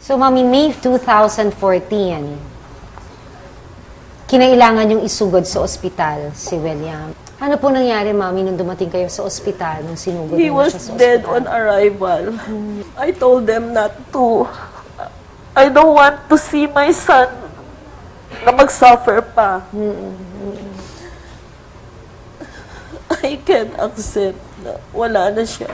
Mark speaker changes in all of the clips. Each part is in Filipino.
Speaker 1: So, Mami, May 2014, kinailangan yung isugod sa ospital si William. Ano po nangyari, Mami, nung dumating kayo sa ospital, nung sinugod
Speaker 2: He
Speaker 1: mo
Speaker 2: was
Speaker 1: siya sa
Speaker 2: dead
Speaker 1: ospital?
Speaker 2: on arrival. I told them not to. I don't want to see my son na mag-suffer pa. I can't accept na wala na siya.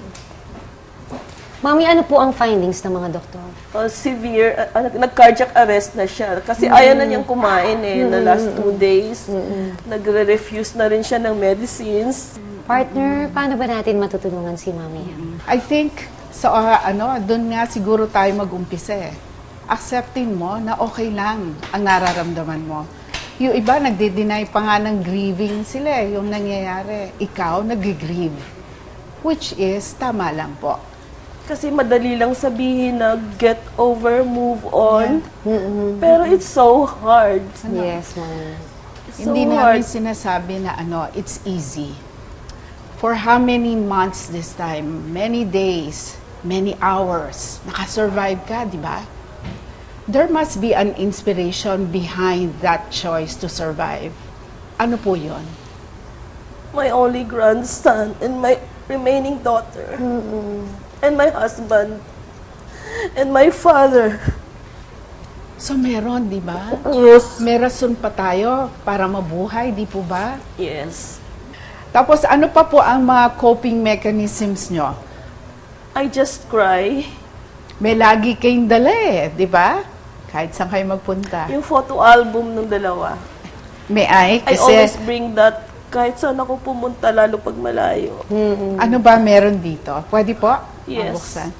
Speaker 1: Mami, ano po ang findings ng mga doktor?
Speaker 2: Severe, nag-cardiac arrest na siya. Kasi ayaw na niyang kumain na last 2 days. Nagre-refuse na rin siya ng medicines.
Speaker 1: Partner, paano ba natin matutulungan si Mami?
Speaker 3: I think, doon nga siguro tayo mag-umpisa eh. Accepting mo na okay lang ang nararamdaman mo. Yung iba, nagde-deny pa nga ng grieving sila yung nangyayari. Ikaw, nag-grieve. Which is, tama lang po.
Speaker 2: Kasi madali lang sabihin na get over, move on. Pero it's so hard.
Speaker 1: Yes, Mami.
Speaker 2: It's so
Speaker 3: Hindi
Speaker 2: hard.
Speaker 3: namin sinasabi na it's easy. For how many months this time? Many days, many hours. Nakasurvive ka, di ba? There must be an inspiration behind that choice to survive. Ano po yun?
Speaker 2: My only grandson and my remaining daughter. And my husband. And my father.
Speaker 3: So meron, di ba?
Speaker 2: Yes.
Speaker 3: May rason pa tayo para mabuhay, di po ba?
Speaker 2: Yes.
Speaker 3: Tapos ano pa po ang mga coping mechanisms nyo?
Speaker 2: I just cry.
Speaker 3: May lagi kayong dala di ba? Kahit saan kayo magpunta.
Speaker 2: Yung photo album ng dalawa.
Speaker 3: May I?
Speaker 2: I always bring that kahit saan ako pumunta, lalo pag malayo.
Speaker 3: Ano ba meron dito? Pwede po?
Speaker 2: Yes.
Speaker 3: Mabuksan.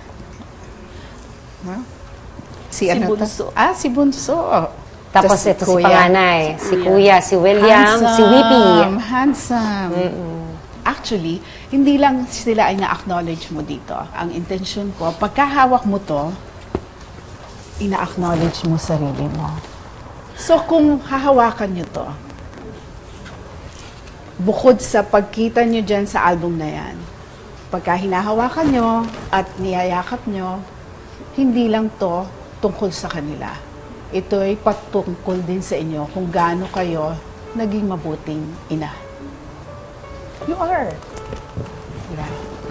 Speaker 3: Huh?
Speaker 2: Si
Speaker 3: ano to?
Speaker 2: Bunso.
Speaker 3: Si Bunso.
Speaker 1: Tapos
Speaker 3: Tas
Speaker 1: ito si panganay, si Kuya, si William,
Speaker 3: Handsome,
Speaker 1: si Whippy.
Speaker 3: Handsome. Actually, hindi lang sila ay na-acknowledge mo dito. Ang intention ko, pagkahawak mo to, ina-acknowledge mo sarili mo. So kung hahawakan nyo to, bukod sa pagkita nyo dyan sa album na yan, pagka hinahawakan nyo at niyayakap nyo, hindi lang to tungkol sa kanila. Ito ay patungkol din sa inyo kung gaano kayo naging mabuting ina. You are. Diba?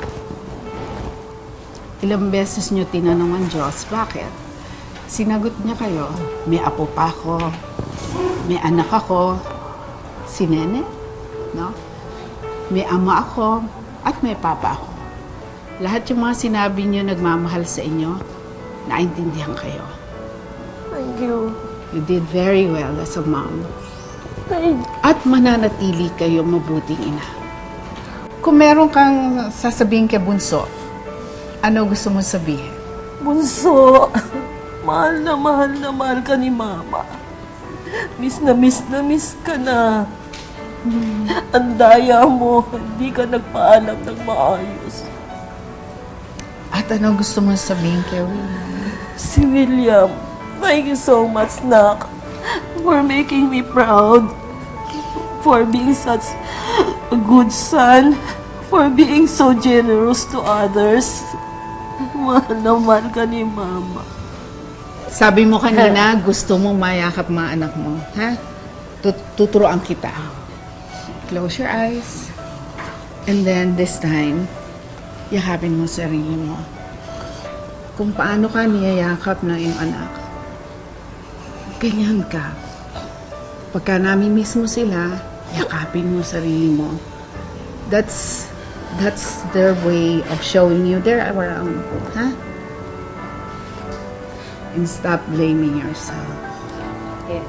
Speaker 3: Ilang beses nyo tinanong ang Diyos, bakit? Sinagot niya kayo, may apo pa ako, may anak ako, si Nene, no? May ama ako, at may papa ako. Lahat yung mga sinabi niyo nagmamahal sa inyo, naintindihan kayo.
Speaker 2: Thank you.
Speaker 3: You did very well as a mom.
Speaker 2: Thank
Speaker 3: At mananatili kayo mabuting ina. Kung meron kang sasabihin kay Bunso, ano gusto mo sabihin?
Speaker 2: Bunso, mahal na mahal ka ni Mama. Miss na miss ka na. Ang daya mo, hindi ka nagpaalam ng maayos.
Speaker 3: At ano gusto mo sabihin kay William?
Speaker 2: Si William, thank you so much, Nak, for making me proud, for being such a good son, for being so generous to others. Mahal na mahal ka ni Mama.
Speaker 3: Sabi mo kanina, gusto mong mayakap mga anak mo, ha? Tuturuan kita. Close your eyes. And then this time, yakapin mo sarili mo. Kung paano ka niyayakap ng iyong anak. Ganyan ka. Pagka nami-miss mo sila, yakapin mo sarili mo. That's their way of showing you they're around. Ha? And stop blaming yourself.
Speaker 1: Yes.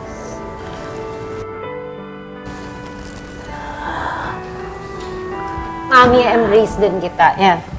Speaker 1: Mami, embrace din kita. Yan.